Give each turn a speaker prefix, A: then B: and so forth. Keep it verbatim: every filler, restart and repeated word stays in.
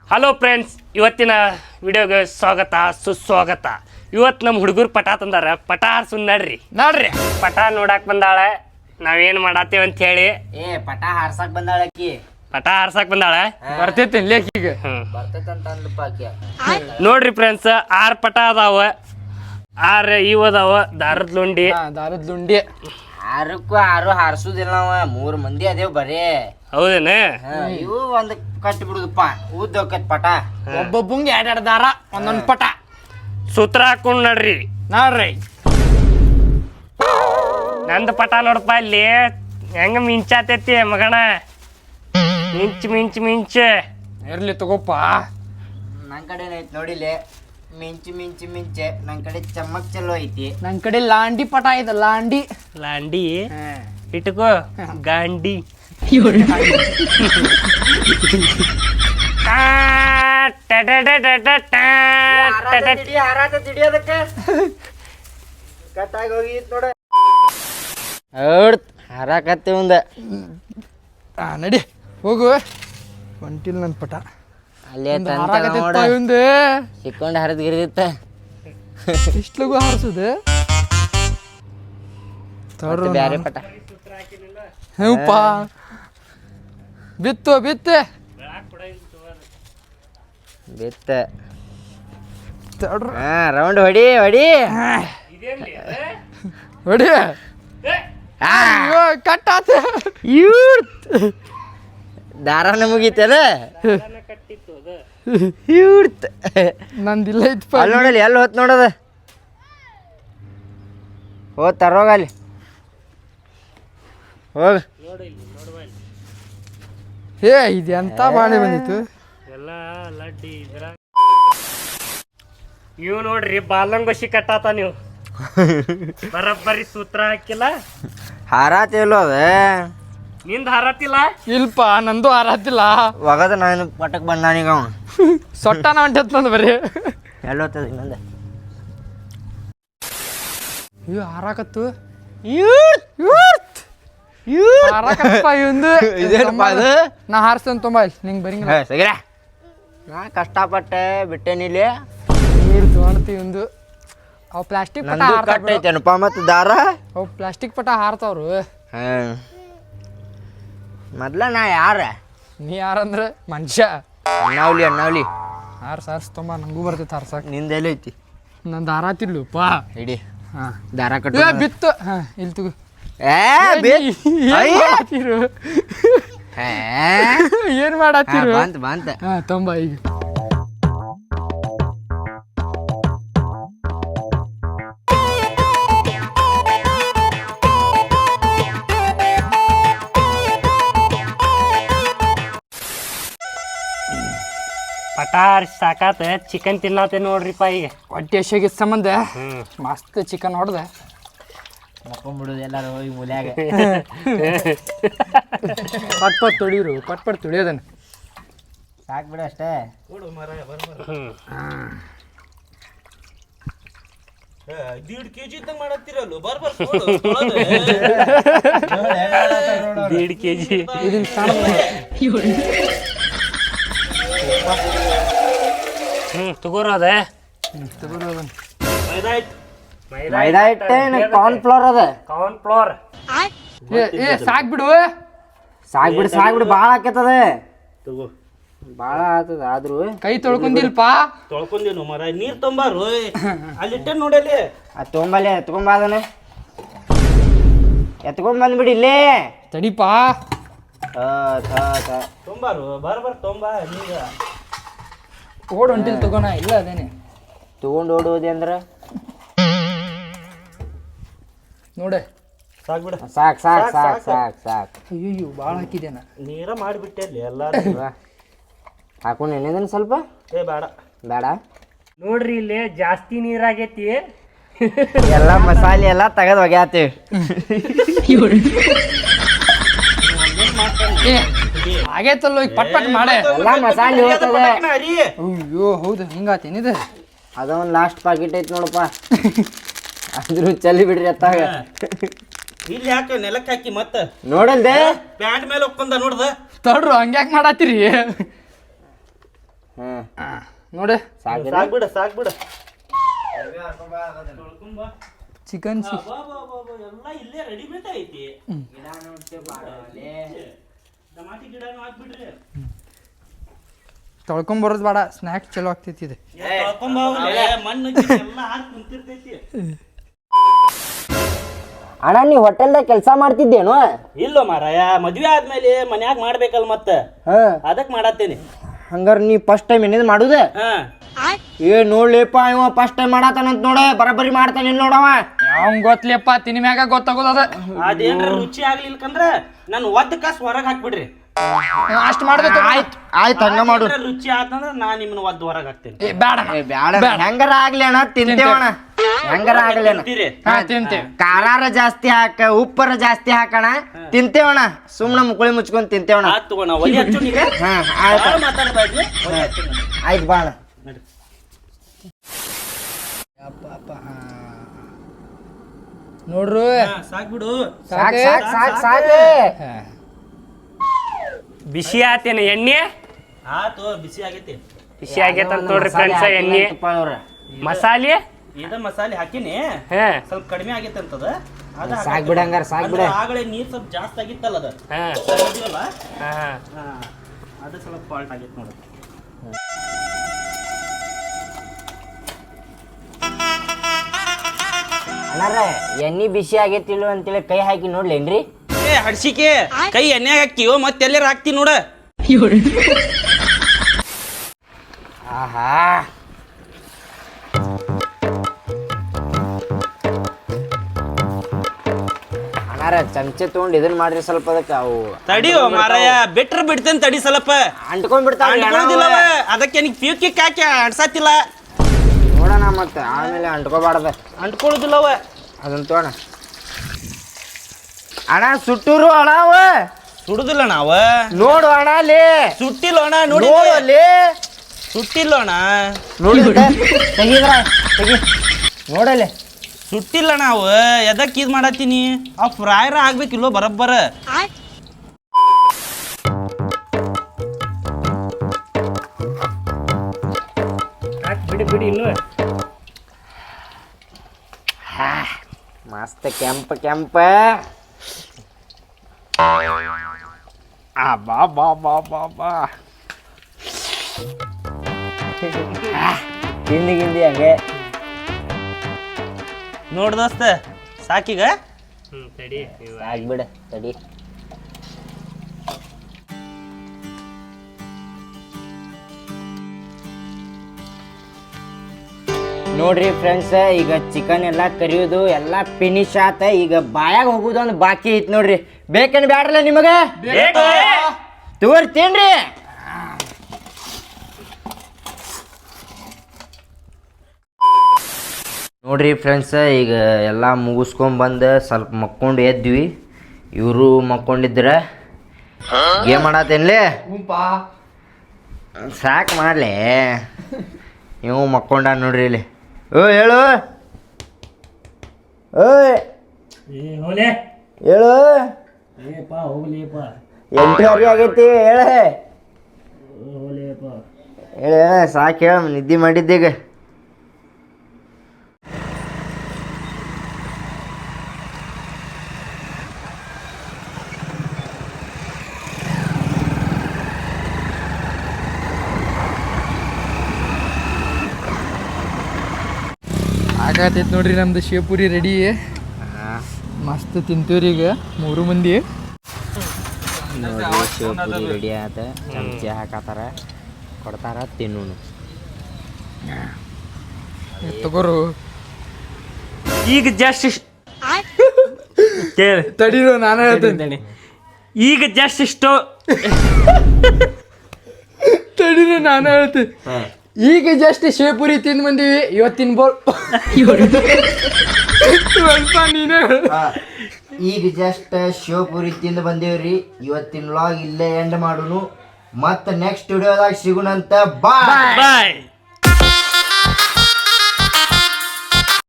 A: Hello friends, ಇವತ್ತಿನ ವಿಡಿಯೋಗೆ ಸ್ವಾಗತ ಸುಸ್ವಾಗತ. ಇವತ್ತು ನಮ್ಮ ಹುಡುಗರು ಪಟ ತಂದಾರ. ಪಟ ಹಾರ್ಸುನ್ ನಡ್ರಿ
B: ನೋಡ್ರಿ
A: ಪಟ ನೋಡಕ್ ಬಂದಾಳ. ನಾವೇನು ಮಾಡತ್ತೇವೆ ಅಂತ ಹೇಳಿ
C: ಏ ಪಟ ಹಾರ್ಸಕ್ ಬಂದಾಳ ಆಕಿ.
A: ಪಟ ಹಾರ್ಸಕ್ ಬಂದಾಳ.
B: ಬರ್ತೈತಿ ಲೇಖಿಗೆ
C: ಬರ್ತೈತಂತ ಅಂದ್ಲಪ್ಪ ಆಕಿ.
A: ನೋಡ್ರಿ ಫ್ರೆಂಡ್ಸ್, ಆರು ಪಟ ಅದಾವ. ಆರು ಇವು ಅದಾವ. ದಾರದ ಲುಂಡಿ
B: ದಾರದ ಲುಂಡಿ
C: ಆರಕ್ಕೂ ಆರು ಹಾರ್ಸುದಿಲ್ಲ ನಾವ. ಮೂರ್ ಮಂದಿ ಅದೇವ್ ಬರೇ.
A: ಹೌದೇನ?
C: ಇವು ಒಂದ್ ಕಟ್ಟಿ ಬಿಡುದಪ್ಪ. ಉದ್ದ ಹೋಕತ್ ಪಟ.
B: ಒಬ್ಬೊಬ್ಬಂಗ್ ಎರಡ್ ಎರಡ್ ದಾರ ಒಂದೊಂದ್ ಪಟ
A: ಸೂತ್ರ ಹಾಕೊಂಡ್ ನಡ್ರಿ.
B: ನೋಡ್ರಿ
A: ನಂದು ಪಟ ನೋಡಪ್ಪ ಇಲ್ಲಿ ಹೆಂಗ ಮಿಂಚಾತೈತಿ ಮಗಣ. ಮಿಂಚ್ ಮಿಂಚ್ ಮಿಂಚ್
B: ಇರ್ಲಿ ತಗೋಪ್ಪ.
C: ನನ್ ಕಡೆ ಐತಿ ನೋಡಿಲೆ. ಮಿಂಚು ಮಿಂಚು ಮಿಂಚೆ. ನನ್ ಕಡೆ ಚಮ್ಮಕ್ ಚಲೋ ಐತಿ.
B: ನನ್ ಕಡೆ ಲಾಂಡಿ ಪಟ ಇದೆ. ಲಾಂಡಿ
A: ಲಾಂಡಿ ಇಟ್ಕೋ. ಗಾಂಡಿ
C: ಕಟ್ಟಾಗಿ ಹೋಗಿತ್ ನೋಡ. ಹಾರಾಕತ್ತಿ ಒಂದ.
B: ಆ ನಡಿ ಹೋಗು. ಹೊಂಟಿಲ್ ನನ್ ಪಟ
C: ಅಲ್ಲೇ
B: ಒಂದು
C: ಸಿಕ್ಕೊಂಡ್ ಹರಿದ್ ಗಿರಿದಿತ್ತ.
B: ಇಷ್ಟ ಲಗು ಹಾರಿಸುದು
C: ಬ್ಯಾರೆ ಪಟ.
B: ಹೂಪ ಬಿತ್ತು ಬಿತ್ತೆ
C: ಬಿತ್ತ. ಹಾ ರೌಂಡ್ ಹೊಡಿ ಹೊಡಿ
B: ಹೊಡಿ. ಕಟ್ಟಾತ
C: ದಾರಾನ ಮುಗೀತದ.
B: ನಂದಿಲ್ಲ ಇತ್ತು
C: ಅಲ್ಲಿ ನೋಡಲಿ. ಎಲ್ಲಿ ಹೋತ್ ನೋಡದ. ಹೋತ್ ತರೋಗ ಅಲ್ಲಿ ಹೋಗ.
B: ಏ ಇದು ಎಂತ ಬಾಳೆ ಬಂದಿತ್ತು
A: ಎಲ್ಲ ಲಡ್ಡಿ ಇದ್ರ. ಇವ್ ನೋಡ್ರಿ ಬಾಲಂಗೋಶಿ ಕಟ್ಟಾತ. ನೀವು ಬರಬ್ಬರಿ ಸೂತ್ರ ಹಾಕಿಲ್ಲ.
C: ಹಾರಾತಿಲ್ಲ ಅದ.
A: ನಿಂದ ಹಾರತಿಲ್ಲ.
B: ಇಲ್ಪ ನಂದು ಹಾರತಿಲ್ಲ.
C: ಒಗದ ನಾನು ಪಟಕ್ ಬಂದಾನೀಗ ಅವ.
B: ಸೊಟ್ಟನ ಹೊಂಟತ್ ನಂದು ಬರೀ.
C: ಎಲ್ಲಿ ಹೋಗ್ತದ ಇನ್ನೊಂದ.
B: ಇವ್ ಹಾರಾಕತ್ತು ಹಾರಾಕತ್ತಪ್ಪ ಇವಂದು. ನಾ ಹಾರಿಸ್ತೇನೆ ತುಂಬ. ನಿಂಗೆ ಬರಿಂಗಿಲ್ಲ.
C: ಸಗಿರ ನಾ ಕಷ್ಟಪಟ್ಟೆ ಬಿಟ್ಟೇನಿಲ್ಲಿ.
B: ನೀರು ತೊಗೊಳ್ತಿ ಇವಂದು. ಅವು ಪ್ಲಾಸ್ಟಿಕ್ ಪಟ ಹಾರ್ತಾವ.
C: ಕಟ್ಟೈತೇನಪ್ಪ ಮತ್ತು ದಾರ.
B: ಅವು ಪ್ಲಾಸ್ಟಿಕ್ ಪಟ ಹಾರ್ತಾವ್ರು.
C: ಹಾಂ ಮೊದ್ಲ ನಾ ಯಾರ.
B: ನೀ ಯಾರಂದ್ರೆ ಮನುಷ್ಯ.
C: ಅಣ್ಣಾವ್ಲಿ ಅಣ್ಣಾವ್ಲಿ
B: ಹಾರ್ಸ್ ಹಾರ್ಸ್ ತುಂಬ ನಂಗೂ ಬರ್ತೈತೆ ಹಾರ್ಸಕ್.
C: ನಿಂದೆಲ್ಲ ಐತಿ.
B: ನಂದು ಹಾರಾತಿಲ್ಲಪ್ಪ.
C: ಇಡಿ
B: ಹಾಂ
C: ದಾರ ಕಟ್ಟ
B: ಬಿತ್ತು. ಹಾಂ ಇಲ್ಲಿ ತಗೋ. ಏನ್ ಮಾಡತ್ತೀರು?
C: ಬಂತ ಬಂತ.
B: ಹಾ ತೊಂಬ ಈಗ.
A: ಪಟಾರ್ ಸಾಕಾತ. ಚಿಕನ್ ತಿನ್ನತ್ತೆ ನೋಡ್ರಿಪ್ಪ ಈಗ.
B: ಹೊಟ್ಟೆ ಹಸಿಗೆ ಸಂಬಂಧ ಮಸ್ತ್ ಚಿಕನ್ ಹೊಡೆದೆ
C: ಮಕ್ಕೊಂಬಿಡುದು ಎಲ್ಲಾರು ಹೋಗಿ ಮೂಲ್ಯಾಗ.
B: ಪಟ್ ಪಟ್ ತೊಳಿರು. ಪಟ್ ಪಟ್ ತೊಳಿಯೋದನ್ನ
C: ಸಾಕು ಬಿಡು ಅಷ್ಟೇ.
D: ದೀಡ್ ಕೆಜಿ ಇದ್ದಂಗ ಮಾಡತ್ತೀರಲ್ಲ. ಬರ್ಬರ್
A: ದೀಡ್ ಕೆ ಜಿ
B: ಇದನ್ನ
A: ಹ್ಮ್ ತಗೋರ ಅದ.
B: ತಗೋರೋದನ್ನ
C: ಮೈದಾ ಹಿಟ್ಟೆ ಕಾರ್ನ್ ಫ್ಲೋರ್ ಅದ.
A: Corn flour.
B: ಏ ಏ ಸಾಕ್ ಬಿಡು.
C: ಸಾಕ್ ಬಿಡು ಸಾಕ್ ಬಿಡು. ಭಾಳ ಆಕೇತದ.
D: ತಗೋ
C: ಭಾಳ ಆತದ. ಆದ್ರೂ
B: ಕೈ ತೊಳ್ಕೊಂಡಿಲ್ಪ.
D: ತೊಳ್ಕೊಂದೇನು ಮರ. ನೀರ್ ತೊಂಬಾರು ಅಲ್ಲಿಟ್ಟೆ ನೋಡಲಿ.
C: ಅದು ತೊಗೊಂಬಲ್ಲಿ ಎತ್ಕೊಂಬ. ಅದನ್ನ ಎತ್ಕೊಂಡ್ ಬಂದ್ಬಿಡಿ ಇಲ್ಲೇ.
B: ತಡಿಪ.
D: ತೊಂಬಾರು ಬರ್ಬರ್ ತೊಂಬ. ನೀಗ
B: ಓಡ್ ಹೊಂಟಿಲ್ ತಗೋಣ. ಇಲ್ಲ ಅದೇನೆ
C: ತಗೊಂಡು ಓಡುವುದೇ ಅಂದ್ರೆ
B: ನೋಡೆ.
D: ಸಾಕ್ ಬಿಡ.
C: ಸಾಕ್ ಸಾಕ್ ಸಾಕ್ ಸಾಕ್ ಸಾಕ್.
B: ಅಯ್ಯೋ ಭಾಳ ಹಾಕಿದೇನ.
D: ನೀರ ಮಾಡಿಬಿಟ್ಟೆ ಅಲ್ಲಿ ಎಲ್ಲ.
C: ಹಾಕೊಂಡು ಎಣ್ಣೆದನ್ ಸ್ವಲ್ಪ.
D: ಏ ಬೇಡ
C: ಬೇಡ.
A: ನೋಡ್ರಿ ಇಲ್ಲಿ ಜಾಸ್ತಿ ನೀರಾಗೈತಿ.
C: ಎಲ್ಲ ಮಸಾಲೆ ಎಲ್ಲ ತೆಗೆದು ಒಗ್ಯಾತೀವಿ.
B: ಆಗೈತಲ್ಲ ಈಗ ಪಟ್ ಪಟ್ ಮಾಡೆ.
C: ಎಲ್ಲ ಮಸಾಲೆ ಹೋಗ್ತದೆ.
B: ಅಯ್ಯೋ ಹೌದು ಹಿಂಗಾತೇನಿದೆ.
C: ಅದೊಂದು ಲಾಸ್ಟ್ ಪಾಕೆಟ್ ಐತಿ ನೋಡಪ್ಪ. ಅಂದ್ರೂ ಚಲಿ ಬಿಡ್ರಿ ಅತ್ತಾಗ.
D: ಇಲ್ಲಿ ಯಾಕೆ ನೆಲಕ್ಕೆ ಹಾಕಿ ಮತ್ತ
C: ನೋಡಲ್ದೆ
D: ಪ್ಯಾಂಟ್ ಮೇಲೆ ಒಕ್ಕೊಂಡ ನೋಡ್ದ
B: ತಡ್ರು ಹಂಗ್ಯಾಕ್ ಮಾಡತ್ತೀರಿ?
C: ಹ್ಮ್
B: ನೋಡಿ
C: ಸಾಕು
D: ಸಾಕ್ ಬಿಡ ಸಾಕ್ ಬಿಡ
B: ಚಿಕನ್ ಸಿ
D: ಎಲ್ಲ ಇಲ್ಲೇ ರೆಡಿಮೇಡ್ ಐತಿ ಟಮಾಟಿ ಗಿಡನೂ ಹಾಕ್ಬಿಡ್ರಿ
B: ತೊಳ್ಕೊಂಬರೋದು ಬೇಡ ಸ್ನ್ಯಾಕ್ಸ್ ಚಲೋ ಆಗ್ತೈತಿ ಇದು
D: ತೊಳ್ಕೊಂಡ್ ಹೋಗ್ಲಿ, ಮಣ್ಣು ಗಿಣ್ಣು ಎಲ್ಲ ಹಾಕಿ ಕುಂತಿರ್ತೈತಿ.
C: ಅಣ್ಣ ನೀ ಹೋಟೆಲ್ದಾಗ ಕೆಲಸ ಮಾಡ್ತಿದ್ದೇನು?
D: ಇಲ್ಲೋ ಮಾರಾಯ ಮದ್ವೆ ಆದ್ಮೇಲೆ ಮನ್ಯಾಗ ಮಾಡ್ಬೇಕಲ್ ಮತ್ತ
C: ಹಾ
D: ಅದಕ್ ಮಾಡತ್ತೇನಿ.
C: ಹಂಗಾರ ನೀ ಫಸ್ಟ್ ಟೈಮ್ ಏನಿದ್ ಮಾಡುದೆ?
D: ಹಾ
C: ಏ ನೋಡ್ಲಿಪ್ಪ ಇವ ಫಸ್ಟ್ ಟೈಮ್ ಮಾಡತಾನಂತ ನೋಡ ಬರಬರಿ ಮಾಡ್ತಾನ ನೋಡವ.
B: ಅವ್ನ್ ಗೊತ್ತಲಿಯಪ್ಪ ತಿನಿ ಮ್ಯಾಗ ಗೊತ್ತಾಗೋದ
D: ಅದೇನ್ರ ರುಚಿ ಆಗ್ಲಿಲ್ಕಂದ್ರ ನನ್ ಒದ್ದ ಕಾಸ್ ಹೊರಗ್ ಹಾಕ್ಬಿಡ್ರಿ.
B: ಅಷ್ಟ್ ಮಾಡ್ಬೇಕು.
C: ಆಯ್ತು ಆಯ್ತು ಹಂಗ ಮಾಡು.
D: ಏನ್ರ ರುಚಿ ಆತಂದ್ರ ನಾ ನಿಮ್ಮನ್ನ ಒದ್ದ ಹೊರಗ್ ಹಾಕ್ತೇನೆ.
B: ಏ ಬೇಡ
C: ಏ, ಬ್ಯಾಡ ಹೆಂಗಾರ ಆಗ್ಲಿ ಅಣ್ಣ ತಿಂತೇವಣ. ಹೆಂಗಾರ ಆಗ್ಲಿ ಅಣ್ಣ.
D: ತಿಂತೀರಿ?
B: ಹಾ ತಿಂತೇವೆ.
C: ಖಾರಾರ ಜಾಸ್ತಿ ಹಾಕ ಉಪ್ಪರ ಜಾಸ್ತಿ ಹಾಕಣ ತಿಂತೇವಣ. ಸುಮ್ನ ಮುಕುಳಿ ಮುಚ್ಕೊಂಡ್ ತಿಂತೇವಣ.
D: ಆತ್ ತಗೋಣ ಒಲಿ ಹಚ್ಚು ನೀಗ.
C: ಹಾ ಆಯ್ತು
D: ಬಾಳ್ ಮಾತಾಡ್ಬೇಡ್ರಿ ಒಲಿ ಹಚ್ಚು ನಾನು.
C: ಆಯ್ತು ಬಾಣ.
D: ನಡಿ.
B: ನೋಡ್ರು
D: ಹಾ, ಸಾಕ್ ಬಿಡು.
C: ಸಾಕ್ ಸಾಕ್ ಸಾಕ್ ಸಾಕ್.
A: ಬಿಸಿ ಆತೇನ ಎಣ್ಣೆ
D: ಆತು ಬಿಸಿ ಆಗೈತಿ.
A: ಬಿಸಿ ಆಗೈತೆ ಅಂತ ನೋಡ್ರಿ ಫ್ರೆಂಡ್ಸ್ ಎಣ್ಣೆ ಮಸಾಲೆ
D: ಇದ ಮಸಾಲೆ ಹಾಕಿನಿ
A: ಹಾ
D: ಸ್ವಲ್ಪ ಕಡಿಮೆ ಆಗೈತೆ ಅಂತದ ಅದ
C: ಸಾಕ್ ಬಿಡ ಹಂಗಾರ ಸಾಕ್ ಬಿಡ.
D: ಆಗಲೇ ನೀರ್ ಸ್ವಲ್ಪ ಜಾಸ್ತಿ ಆಗಿತ್ತಲ್ಲ ಅದ
A: ಹಾ
D: ಸರಿದಿವಲ್ಲ
A: ಹಾ
D: ಹಾ ಅದು ಸ್ವಲ್ಪ ಫಾಲ್ಟ್ ಆಗೈತೆ ನೋಡಿ.
C: ಅಣ್ಣಾರ ಎಣ್ಣೆ ಬಿಸಿ ಆಗೈತಿಲ್ಲ ಅಂತೇಳಿ ಕೈ ಹಾಕಿ ನೋಡ್ಲೇನ್ರಿ?
D: ಏ ಹಡ್ಸಿಕೆ ಕೈ ಎಣ್ಣೆ ಹಾಕಿಯೋ ಮತ್ತೆ ಎಲ್ಲಾರ ಹಾಕ್ತಿ ನೋಡ.
C: ಆಹಾ ಅಣ್ಣಾರ ಚಮಚೆ ತಗೊಂಡ್ ಇದನ್ ಮಾಡ್ರಿ ಸ್ವಲ್ಪ ಅದಕ್ಕೆ ಅವು
D: ತಡಿಯೋ ಮಾರಾಯ ಬಿಟ್ರ ಬಿಡ್ತೇನೆ ತಡಿ ಸ್ವಲ್ಪ
C: ಅಂಟ್ಕೊಂಡ್ ಬಿಡ್ತಾವ.
D: ಅಂಟ್ಕೊಳ್ಳೋದಿಲ್ಲವ ಅದಕ್ಕೆ ನಿಂಗೆ ಪ್ಯೂಕ್ ಕಿಕ್ ಹಾಕಿ ಅನ್ಸತ್ತಿಲ್ಲ.
C: ನೋಡೋಣ ಮತ್ತೆ ಆಮೇಲೆ ಅಂಟ್ಕೋಬಾರ್ದ.
D: ಅಂಟ್ಕೊಳ್ಳೋದಿಲ್ಲವ
C: ಅದನ್ನ ತಗೋಣ. ಅಣ್ಣ ಸುಟ್ಟೂರು ಅಣ್ಣ ಅವ
D: ಸುಡುದಿಲ್ಲ ನಾವ
C: ನೋಡು ಅಣ್ಣ ಅಲ್ಲಿ
D: ಸುಟ್ಟಿಲ್ಲ ಅಣ್ಣ ನೋಡಿ
C: ನೋಡು ಅಲ್ಲಿ
D: ಸುಟ್ಟಿಲ್ಲ ಅಣ್ಣ
C: ನೋಡಿ ತೆಗಿದ್ರ ತೆಗಿ ನೋಡಲ್ಲಿ
D: ಸುಟ್ಟಿಲ್ಲ ನಾವು ಎದಕ್ ಇದ್ ಮಾಡತ್ತೀನಿ ಆ ಫ್ರೈರ ಆಗ್ಬೇಕಿಲ್ಲೋ ಬರಬ್ಬರ.
A: ಬಿಡಿ ಬಿಡಿ ಇನ್ನು
C: ಮಸ್ತ್ ಕೆಂಪ ಕೆಂಪ. ಆ ಬಾ ಬಾ ಬಾ ಬಾ ಬಾ ತಿಂದಿ ಗಿಂದಿ ಹಂಗೆ
D: ನೋಡ್ ದೋಸ್ತ ಸಾಕೀಗ
A: ಹ್ಮ್ ತಡಿ
C: ಆಗ್ಬಿಡ ತಡಿ. ನೋಡ್ರಿ ಫ್ರೆಂಡ್ಸ್ ಈಗ ಚಿಕನ್ ಎಲ್ಲ ಕರಿಯೋದು ಎಲ್ಲ ಫಿನಿಶ್ ಆತ. ಈಗ ಬಾಯಾಗ ಹೋಗುದು ಒಂದು ಬಾಕಿ ಐತ್ ನೋಡ್ರಿ. ಬೇಕೇನು ಬ್ಯಾಡ್ರಲ್ಲ ನಿಮಗೆ? ತೋರ್ತೀನ್ರಿ. ನೋಡ್ರಿ ಫ್ರೆಂಡ್ಸ್ ಈಗ ಎಲ್ಲ ಮುಗಿಸ್ಕೊಂಬಂದು ಸ್ವಲ್ಪ ಮಕ್ಕೊಂಡು ಎದ್ವಿ. ಇವರು ಮಕ್ಕೊಂಡಿದ್ರ ಗೇಮ್ ಮಾಡತ್ತೇನ್ಲಿ ಸಾಕು ಮಾಡ್ಲಿ. ಇವು ಮಕ್ಕೊಂಡ ನೋಡ್ರಿ ಇಲ್ಲಿ. ಓ ಹೇಳು ಓಯ್ ಹೇಳು ಎಂಟು ಅರಿ ಆಗೈತಿ ಹೇಳ ಹೇಳ ಸಾಕು ಹೇಳ ನಿದ್ದೆ ಮಾಡಿದ್ದೀಗ.
B: ಆಗತೈತಿ ನೋಡ್ರಿ ನಮ್ದು ಶಿವಪುರಿ ರೆಡಿ. ಮಸ್ತ್ ತಿಂತೀವ್ರಿ ಈಗ ಮೂರು ಮಂದಿ.
C: ನೋಡ್ರಿ ಶಿವಪುರಿ ರೆಡಿ ಆತ. ಚಮಚೆ ಹಾಕತ್ತಾರ ಕೊಡ್ತಾರ ತಿನ್ನೋನು.
B: ತಗೋರು
A: ಈಗ ಜಸ್ಟ್
B: ತಡೀರು ನಾನು ಹೇಳ್ತೇನೆ.
A: ಈಗ ಜಸ್ಟ್ ಇಷ್ಟು
B: ತಡೀರು ನಾನು ಹೇಳ್ತೇನೆ. ಈಗ ಜಸ್ಟ್ ಶಿವಪುರಿ ತಿಂದು ಬಂದೀವಿ. ಇವತ್ತಿನ ಬೋಲ್ ಸ್ವಲ್ಪ ನೀನೇ
C: ಈಗ ಜಸ್ಟ್ ಶಿವಪುರಿ ತಿಂದು ಬಂದೇವ್ರಿ. ಇವತ್ತಿನ ವ್ಲಾಗ್ ಇಲ್ಲೇ ಎಂಡ್ ಮಾಡುನು. ಮತ್ತೆ ನೆಕ್ಸ್ಟ್ ವಿಡಿಯೋದಾಗ ಸಿಗುಣಂತ ಬಾಯ್
A: ಬಾಯ್.